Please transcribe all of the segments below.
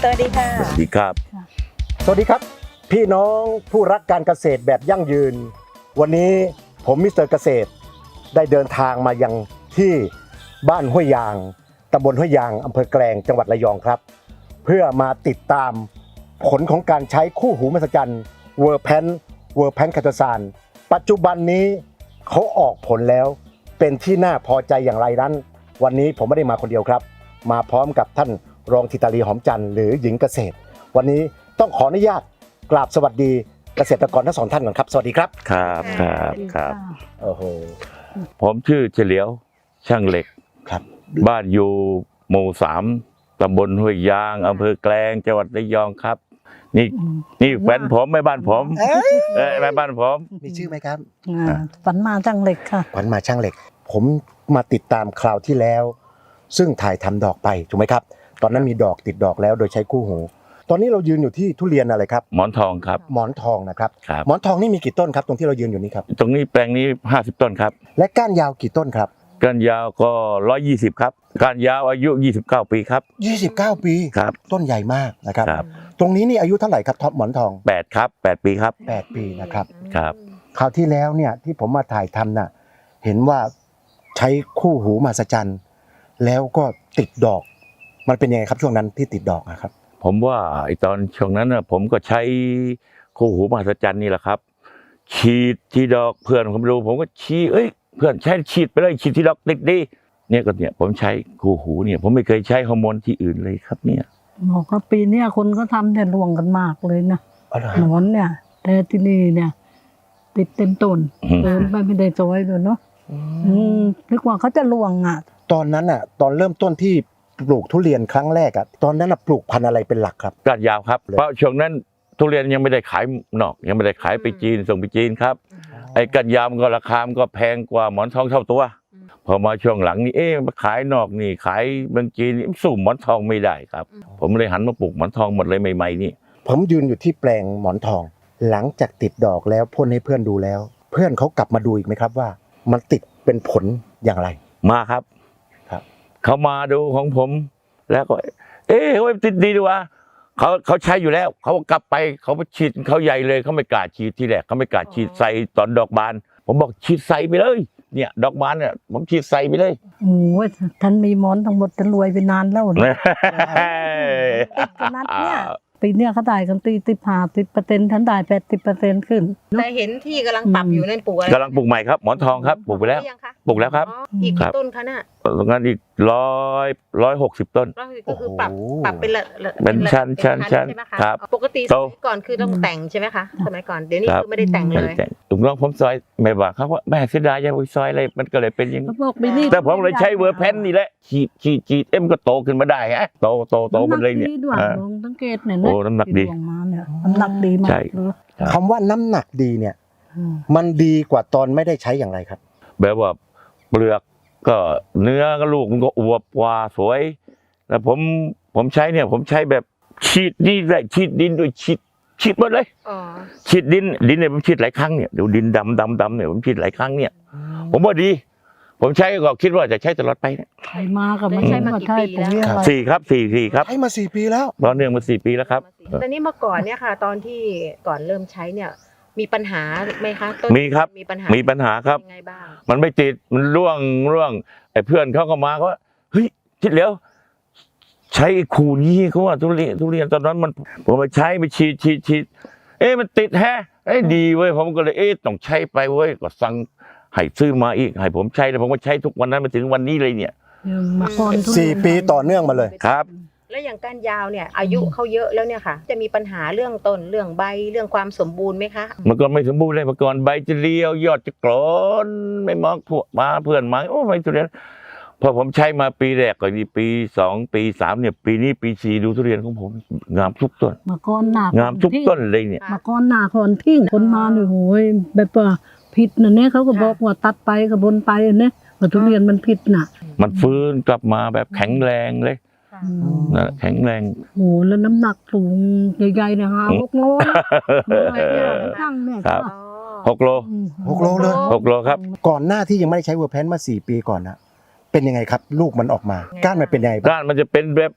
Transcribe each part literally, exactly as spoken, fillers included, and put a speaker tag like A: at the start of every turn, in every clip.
A: วัสดีค่ะ
B: สวัสดีครับ
C: สวัสดีครับพี่น้องผู้รักการเกษตรแบบยั่งยืนวันนี้ผมมิสเตอร์เกษตรได้เดินทางมายังที่บ้านห้วยยางตำบลห้วยยางอำเภอแกลงจังหวัดระยองครับเพื่อมาติดตามผลของการใช้คู่หูมหัศจรรย์เวอร์แพนเวอร์แพนคาโตซานปัจจุบันนี้เขาออกผลแล้วเป็นที่น่าพอใจอย่างไรนั้นวันนี้ผมไม่ได้มาคนเดียวครับมาพร้อมกับท่านรองธิตาลีหอมจันทร์หรือหญิงเกษตรวันนี้ต้องขออนุญาตกราบสวัสดีเกษตรกรทั้งสองท่านก่อนครับสวัสดีครับ
B: ครับครับครับ
C: โอ้โห
B: ผมชื่อเฉลียวช่างเหล็ก
C: ครับ
B: บ้านอยู่หมู่สามตำบลห้วยยางอำเภอแกลงจังหวัดระยองครับนี่นี่แฟนผมไม่บ้านผมเอ้ยไม่บ้านผม
C: มีชื่อไหมครับ
A: ฝันมาช่างเหล็กค่ะ
C: ฝันมาช่างเหล็กผมมาติดตามคราวที่แล้วซึ่งถ่ายทำดอกไปถูกไหมครับตอนนั้นมีดอกติดดอกแล้วโดยใช้คู่หูตอนนี้เรายืนอยู่ที่ทุเรียนอะไรครับ
B: หมอนทองครับ
C: หมอนทองนะครับหมอนทองนี่มีกี่ต้นครับตรงที่เรายืนอยู่นี้ครับ
B: ตรงนี้แปลงนี้ห้าสิบต้นครับ
C: และก้านยาวกี่ต้นครับ
B: ก้านยาวก็หนึ่งร้อยยี่สิบครับก้านยาวอายุยี่สิบเก้าปีครับ
C: ยี่สิบเก้าปี
B: ครับ
C: ต้นใหญ่มากนะครับตรงนี้นี่อายุเท่าไหร่ครับท็อปหมอนทอง
B: แปดครับแปดปีครับ
C: แปดปีนะครับ
B: ครับ
C: คราวที่แล้วเนี่ยที่ผมมาถ่ายทำน่ะเห็นว่าใช้คู่หูมหัศจรรย์แล้วก็ติดดอกมันเป็นยังไงครับช่วงนั้นที่ติดดอกนะครับ
B: ผมว่าไอตอนช่วงนั้นน่ะผมก็ใช้คู่หูมหัศจรรย์นี่แหละครับฉีดที่ดอกเพื่อนผมรู้ผมก็ชี้เอ้ยเพื่อนใช้ฉีดไปเลยฉีดที่ดอกติดดีเนี่ยก็เนี่ยผมใช้คู่หูเนี่ยผมไม่เคยใช้ฮอร์โมนที่อื่นเลยครับเนี่ย
A: บอกว่าปีนี้คนก็ทำแต่รวงกันมากเลยนะหนอนเนี่ยแต่ที่นี่เนี่ยติดเต็มต้นเดินไปไม่ได้จอยเลยเนาะนึกว่าเขาจะรวงอ่ะ
C: ตอนนั้นอ่ะตอนเริ่มต้นที่ปลูกทุเรียนครั้งแรกอ่ะตอนนั้นอ่ะปลูกพันธุ์อะไรเป็นหลักครับ
B: ก้านยาวครับเพราะช่วงนั้นทุเรียนยังไม่ได้ขายนอกยังไม่ได้ขายไปจีนส่งไปจีนครับไอ้ก้านยาวมันก็ราคามันก็แพงกว่าหมอนทองเท่าตัวพอมาช่วงหลังนี่เอ๊ะมาขายนอกนี่ขายเมืองจีนสู้หมอนทองไม่ได้ครับผมเลยหันมาปลูกหมอนทองหมดเลยใหม่ๆนี่
C: ผมยืนอยู่ที่แปลงหมอนทองหลังจากติดดอกแล้วพ่นให้เพื่อนดูแล้วเพื่อนเขากลับมาดูอีกไหมครับว่ามันติดเป็นผลอย่างไร
B: มาครับ
C: ครับ
B: เขามาดูของผมแล้วก็เอ๊ะเฮ้ยติดดีดีวะเขาเขาใช้อยู่แล้วเขากลับไปเขาไปฉีดเขาใหญ่เลยเขาไม่กล้าฉีดทีแรกเขาไม่กล้าฉีดใส่ตอนดอกบานผมบอกฉีดใส่ไปเลยเนี่ยดอกบานเนี่ยผมฉีดใส่ไปเลย
A: โอ้ยท่านมีหมอนทั้งหมดจะรวยไปนานแล้วนะขนาดเนี่ยปีเนี้ยเขาได้กันตีติดผ่าติดเปอร์เซ็นต์ท่านได้แปดสิบเปอร์เซ็นต์ขึ้น
D: แต่เห็นที่กำลังปรับอยู่นั่นปลูกอะไร
B: กำลังปลูกใหม่ครับหมอนทองครับปลูกไปแล้วปลูกแล้วครับ
D: อีกต้นคะน่ะ
B: ตรงนั้นอีกร้อยร้อยหกสิบต้น
D: ก็คือปรับปรับเป็นละ
B: เป็นชั้นชั้นชั้นครับ
D: ปกติสมัยก่อนคือต้องแต่งใช่ไหมคะสมัยก่อนเดี๋ยวนี้คือไม่ได้แต่งเลย
B: ถูกต้องผมซอยไม่ว่าเขาว่าแม่เสียดายยังไปซอยอะไรมันก็เลยเป็นอย่าง
A: นี้
B: แต่ผมเลยใช้เวอร์แพนนี่แหละฉีดฉีดฉีดเอ็มก็โตขึ้นมาได้ฮะโตโตโตมันเลยเนี่ย
A: สังเกตเนี่ย
B: โอ้น้ำหนักดี
A: น้ำหนักดีมาก
C: คำว่าน้ำหนักดีเนี่ยมันดีกว่าตอนไม่ได้ใช้อย่างไรครับ
B: แบบว่าเปลือกก็เนื้อก็ลูกมันก็อวบกว่าสวยแล้วผมผมใช้เนี่ยผมใช้แบบฉีดนี่แหละฉีดดินด้วยฉีดฉีดหมดเลยฉีดดินดินเนี่ยผมฉีดหลายครั้งเนี่ยเดี๋ยวดินดำดำดำเนี่ยผมฉีดหลายครั้งเนี่ยผมว่าดีผมใช้ก็คิดว่าจะใช้ตลอดไปเนี่ย
A: ใช้มากับไม่ใช่มากี่ปีแล้ว
B: สี่ครับสี่สี่ครับ
C: ใช้มาสี่ปีแล้ว
B: ตอนเนื่องมาสี่ปีแล้วครับ
D: ตอนนี้เมื่อก่อนเนี่ยค่ะตอนที่ก่อนเริ่มใช้เนี่ยมีปัญหาไหมคะ
B: มีครับมีปัญหามีปัญหาครับ
D: ยังไงบ้าง
B: มันไม่ติดมันร่วงร่วงไอ้เพื่อนเขาก็มาเขาว่าเฮ้ยคิดแล้วใช้ขู่นี้เขาว่าทุเรียนทุเรียนตอนนั้นมันผมไปใช้ไปฉีดฉีดฉีดเอ๊ะมันติดแฮะไอ้ดีเว้ยผมก็เลยเอ๊ะต้องใช้ไปเว้ยก็สั่งให้ซื้อมาอีกให้ผมใช้แล้วผมก็ใช้ทุกวันนั้นมาถึงวันนี้เลยเนี่ย
C: สี่ปีต่อเนื่องมาเลย
B: ครับ
D: แล้วอย่างก้านยาวเนี่ยอายุเขาเยอะแล้วเนี่ยค่ะจะมีปัญหาเรื่องต้นเรื่องใบเรื่องความสมบูรณ์ไหมคะ
B: มันก็ไม่สมบูรณ์เลยเมื่อก่อนใบจะเรียวยอดจะกรอนไม่มองพวกมาเพื่อนมาโอ้ไม่ทุเรียนพอผมใช้มาปีแรกก็ดีปีสองปีสามเนี่ยปีนี้ปีสี่ดูทุเรียนของผมงามทุกต้น
A: เมื่อก่อนหนาง
B: ามทุกต้นเลยเนี่ย
A: เมื่อก่อนหนาคนทิ้งคนมาเนี่ยโหยแบบว่าผิดนะเนี่ยเขาก็บอกว่าตัดไปกับบนไปเนี่ยว่าทุเรียนมันผิดน่ะ
B: มันฟื้นกลับมาแบบแข็งแรงเลยนะแข็งแรง
A: โอ้แล้วน้ำหนักสูงใหญ่ๆเนี่ยฮะหกโลตั้งเนี่ย
B: ครับหกโล
C: หกโลเลย
B: หกโลครับ
C: ก่อนหน้าที่ยังไม่ได้ใช้เวอร์แพนมาสี่ปีก่อนนะเป็นยังไงครับลูกมันออกมาก้านมันเป็นยังไง
B: ก้านมันจะเป็นแบบ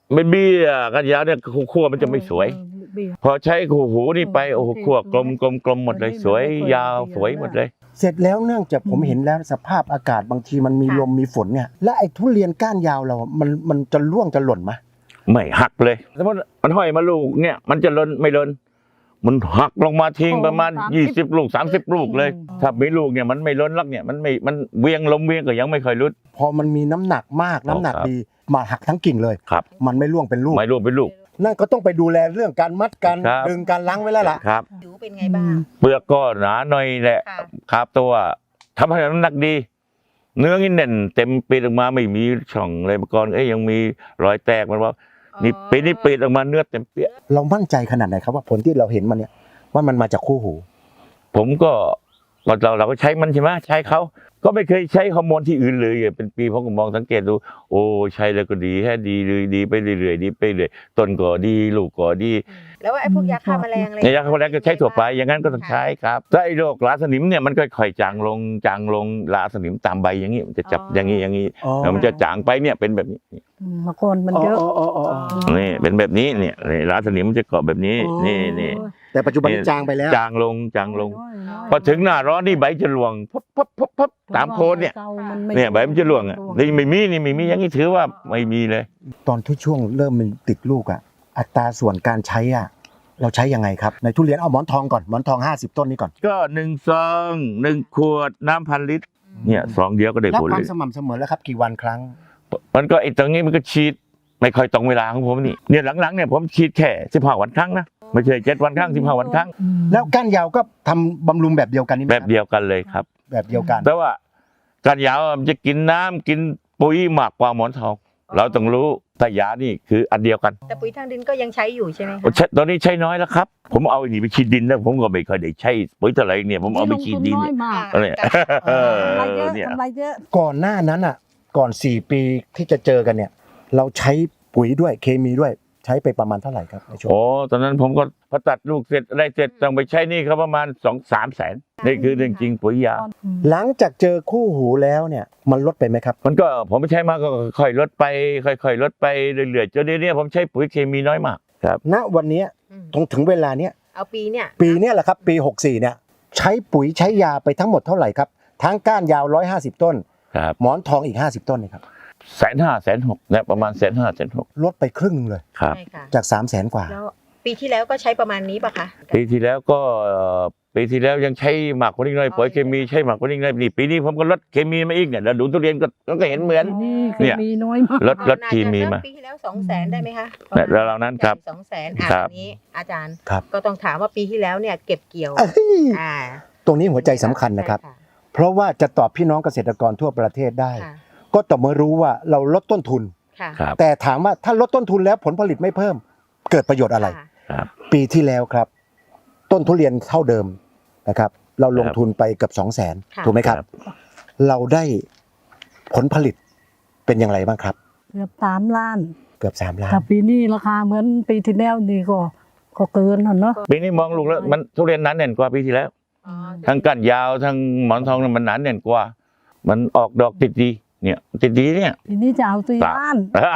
B: เป็นเบี้ยกันยาวเนี่ยขั้วมันจะไม่สวย
A: เบี้ย
B: พอใช้คู่หูนี่ไปโอ้โหขั้วกลมกลมกลมหมดเลยสวยยาวสวยหมดเลย
C: เสร็จแล้วเนื่องจากผมเห็นแล้วสภาพอากาศบางทีมันมีลมมีฝนเนี่ยและไอ้ทุเรียนก้านยาวเรา มันมันจะร่วงจะหล่นไหม
B: ไม่หักเลยสมมติมันห้อยมาลูกเนี่ยมันจะหล่นไม่หล่นมันหักลงมาทิ้งประมาณยี่สิบลูกสามสิบลูกเลยถ้าไม่ลูกเนี่ยมันไม่หล่นลักเนี่ยมันไม่มันเวียงลมเวียงก็ยังไม่ค่อยรุด
C: พอมันมีน้ำหนักมากน้ำหนัก
B: ครับ
C: ดีมาหักทั้งกิ่งเลย
B: ครับ
C: มันไม่ร่วงเป็นลูก
B: ไม่ร่วงเป็นลูก
C: นั่นก็ต้องไปดูแลเรื่องการมัดการ
B: ครับ
C: ดึงการล้างไว้แล้วล่ะ
B: ครับ
D: ผิวเป็นไงบ้าง
B: เปลือกก็หนาหน่อยแหละ
D: ค่ะ
B: ครับตัวทำให้น้ำหนักดี เนื้อนี่แน่นเต็มปีดออกมาไม่มีช่องเลยเมื่อก่อนเอ้ยยังมีรอยแตกมันว่านี่ปีนี้ปีดออกมาเนื้อเต็มเปี้ย
C: เรามั่นใจขนาดไหนครับว่าผลที่เราเห็นมันเนี่ยว่ามันมาจากคู่หู
B: ผมก็เราเราก็ใช้มันใช่ไหมใช้เขาก็ไม่เคยใช้ฮอร์โมนที่อื่นเลยเป็นปีผมก็มองสังเกตดูโอ้ใช้แล้วก็ดีแค่ดีเลยดีไปเรื่อยๆดีไปเรื่อยต้นก็ดีลูกก็ดี
D: แล้วไอ้พวกยาฆ่าแมลงอะไร
B: ในยาฆ่าแมลงก็ใช้ทั่วไปอย่างนั้นก็ต้องใช้ครับถ้าไอ้โรคราสนิมเนี่ยมันก็ค่อยจางลงจางลงราสนิมตามใบอย่างนี้มันจะจับอย่างนี้อย่างนี้
C: อ๋อ
B: แล้วมันจะจางไปเนี่ยเป็นแบบนี้
A: อืมเมื่อก่อนมันเยอะ
C: อ๋ออ๋ออ๋ออ๋อ
B: นี่เป็นแบบนี้เนี่ยนี่ราสนิมมันจะเกาะแบบนี้นี่นี่
C: แต่ปัจจุบันนี้จางไปแล้ว
B: จางลงจางลง พอถึงหน้าร้อนนี่ใบจะร่วงพับพับพับพับตามโคนเนี่ยเนี่ยใบมันจะร่วงอ่ะนี่ไม่มีนี่ไม่มีอย่างนี้ถือว่าไม่มีเลย
C: ตอนที่ช่วงเริ่มมันติดลูกอ่ะอัตราส่วนการใช้อ่ะเราใช้ยังไงครับในทุเรียนเอาหมอนทองก่อนหมอนทองห้าสิบต้นนี้ก่อน
B: ก็หนึ่งซองหนึ่งขวดน้ำพันลิตรเนี่ยซองเดียวก็ได้
C: แล้ว
B: ผล
C: ควา
B: เล
C: ม
B: ย
C: สม่ำเสมอแล้วครับกี่วันครั้ง
B: มันก็ไอ้ตรงนี้มันก็ฉีดไม่ค่อยตรงเวลาของผมนี่เนี่ยหลังๆเนี่ยผมฉีดแค่สิบห้าวันครั้งนะไม่ใช่เจ็ดวันครั้งสิบห้าวันครั้ง
C: แล้วก้านยาวก็ทำบำรุงแบบเดียวกันนี่ไหม
B: แบบเดียวกันเลยครับ
C: แบบเดียวกัน
B: แต่ว่าการยาวมันจะกินน้ำกินปุ๋ยมากกว่าหมอนทอง เราต้องรู้แต่ยานี่คืออันเดียวกัน
D: แต่ปุ๋ยทางดินก็ยังใช้อยู่ใช่ไหมคะ
B: ใช้ตอนนี้ใช้น้อยแล้วครับ ผมเอาไอ้นี่ไปฉีดดินแล้วผมก็ไม่เคอยได้ใช้ปุ๋ยเท่าไหร่เนี่ยผมเอาไปฉีดดิน
A: น้อ
B: เนี่ย ย
A: มาก
B: อะไร เออก
A: ำไรเยอะ
B: เนี่ย
A: กำไรเยอะ
C: ก่อนหน้านั้นอ่ะก่อนสี่ปีที่จะเจอกันเนี่ย เราใช้ปุ๋ยด้วยเคมีด้วยใช้ไปประมาณเท่าไหร่ครับในช่วง
B: โอ้ตอนนั้นผมก็พอตัดลูกเสร็จอะไรเสร็จต้องไปใช้หนี่เขาประมาณสองสามแสนนี่คือเรื่องจริงปุ๋ยยา
C: หลังจากเจอคู่หูแล้วเนี่ยมันลดไปไหมครับ
B: มันก็ผมไม่ใช้มากก็ค่อยๆลดไปค่อยๆลดไปเรื่อยๆจนเดี๋ยวนี้ผมใช้ปุ๋ยเคมีน้อยมากครับ
C: ณวันเนี้ย
D: อืม
C: ตรงถึงเวลาเนี้ย
D: เอาปีเนี่ย
C: ปีเนี้ยแหละครับปีหกสี่เนี่ยใช้ปุ๋ยใช้ยาไปทั้งหมดเท่าไหร่ครับทั้งก้านยาวหนึ่งร้อยห้าสิบต้น
B: ครับ
C: หมอนทองอีกห้าสิบต้นนี่ครับ
B: แสนห้าแสนหกเนี่ยประมาณแสนห้าแสนหก
C: ลดไปครึ่งหนึงเลย
B: ครับ
D: ใช่ค่ะ
C: จากสามแสนกว่า
D: แล้วปีที่แล้วก็ใช้ประมาณนี้ป่ะคะ
B: ปีที่แล้วก็เอ่อปีที่แล้วยังใช้หมักกว่านี้หน่อยปุ๋ยเคมีใช้หมักกว่านี้หน่อยนี่ปีนี้ผมก็ลดเคมีมาอีกเนี่ยแล้วดูทุเรียนก็ก็เห็นเหมือน
A: นี่
B: เนี่
A: คือย มีน้อยมาก
B: ลดลดเคมีมา
D: ปีที่แล้วสองแสนได้ไหมคะ
B: เนี่ยแล้วเรานั้นครับ
D: สองแสนอ่ะ
B: ครับ
D: อันนี้อาจารย์
C: ครับ
D: ก็ต้องถามว่าปีที่แล้วเนี่ยเก็บเกี่ยว
C: เอ้ย
D: อ่า
C: ตรงนี้หัวใจสำคัญนะครับ
D: ใช่
C: เพราะว่าจะตอบพี่น้องเกษตรกรทั่วประเทศได้
D: ค่ะ
C: ก็ต่อเมื่อรู้ว่าเราลดต้นทุน
D: ค่ะ
B: ครับ
C: แต่ถามว่าถ้าลดต้นทุนแล้วผลผลิตไม่เพิ่ม เกิดประโยชน์อะไร
D: ค่ะ
B: ครับ
C: ปีที่แล้วครับ ต้นทุเรียนเท่าเดิมนะครับ เราลง
B: ครับ
C: ทุนไปเกือบสองแสน
D: ค่ะ
C: ถูกไหมครับ เราได้ผลผลิตเป็นอย่างไรบ้างครับ
A: เกือบสามล้าน
C: เกือบสามล้าน
A: ถ้าปีนี้ราคาเหมือนปีที่แล้วนี่ก็ก็เกินน่ะเนาะ
B: ปีนี้มองลูกแล้วมันทุเรียนหนั้นแน่นกว่าปีที่แล้ว
D: อ๋อ
B: ทั้งก้านยาวทั้งหมอนทองเนี่ยมันหนาแน่นกว่า มันออกดอกติดดีเนี่ยติดดีเนี่ย
A: ปีนี้จะเอาสี่ล้าน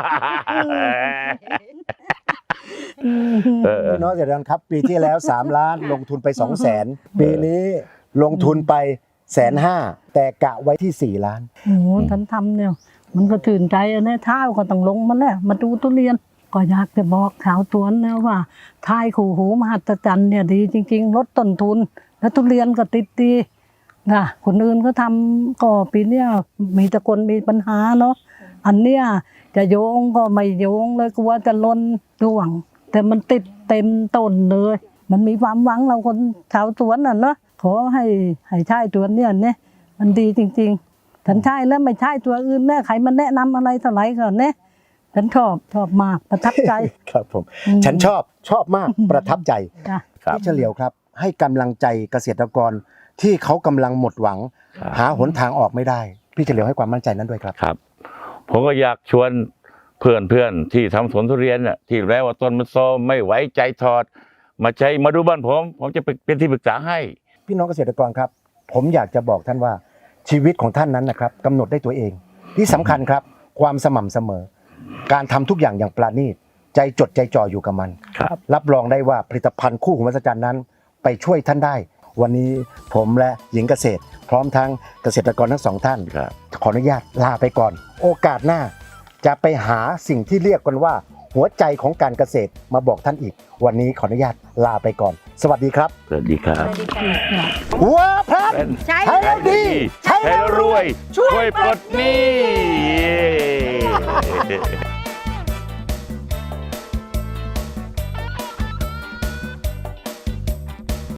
B: เออ
C: พี่น้องเกษตรกรครับ ปีที่แล้ว สามล้านลงทุนไปสองแสนปีนี้ลงทุนไปแสนห้าแต่กะไว้ที่สี่ล้าน
A: โอ้โหท่านทำเนี่ย มันก็ตื่นใจอะเนี่ยเท้าก็ต้องลงมาแล้วมาดูทุเรียน ก็อยากจะบอกชาวสวนนะว่าทายขู่หูมหัศจรรย์เนี่ยดีจริง ๆ ลดต้นทุน แล้วทุเรียนก็ติดดีนะคนอื่นก็ทำก็ปีเนี้ยมีแต่คนมีปัญหาเนาะอันเนี้ยจะโยงก็ไม่โยงเลยกลัวจะล้นร่วง แต่มันติดเต็มต้นเลย มันมีความหวังเราคนชาวสวนน่ะเนาะขอให้ให้ใช้ตัวเนี้ยเนี่ยมันดีจริงๆฉันใช้แล้วไม่ใช่ตัวอื่นแน่ใครมันแนะนำอะไรเท่าไหร่ก่อนเนี่ยฉันชอบชอบมากประทับใจ
C: ครับผม
A: อืม
C: ฉันชอบชอบมากประทับใจ
A: จ้ะ
B: ครับ
C: พี่เฉลียวครับ ให้กำลังใจเกษตรกรที่เขากำลังหมดหวัง
B: ครับ
C: หาหนทางออกไม่ได้ พี่เฉลียวให้ความมั่นใจนั้นด้วยครับ
B: ครับ ผมก็อยากชวนเพื่อนเพื่อนๆที่ทำสวนทุเรียนน่ะที่แล้วว่าต้นมันโซมไม่ไหวใจถอด มาใช้มาดูบ้านผม ผมจะเป็นที่ปรึกษาให้
C: พี่น้องเกษตรกรครับ ผมอยากจะบอกท่านว่าชีวิตของท่านนั้นนะครับกำหนดได้ตัวเอง ที่สำคัญครับ ความสม่ำเสมอการทำทุกอย่างอย่างปราณีตใจจดใจจ่ออยู่กับมัน
B: ครับ
C: รับรองได้ว่าผลิตภัณฑ์คู่หูมหัศจรรย์นั้น ไปช่วยท่านได้ วันนี้ผมและหญิงเกษตร พร้อมทั้งเกษตรกรทั้งสองท่าน
B: ครับ
C: ขออนุญาตลาไปก่อน โอกาสหน้า จะไปหาสิ่งที่เรียกกันว่า หัวใจของการเกษตรมาบอกท่านอีก วันนี้ขออนุญาตลาไปก่อน สวัสดีครับ
B: สวัสดีครับ
D: สวัสดีค่ะ
C: วัวพลัน
D: ใช้
C: ใช้แล้วดี
B: ใช้แล้วรวย ช่วยปลดหนี้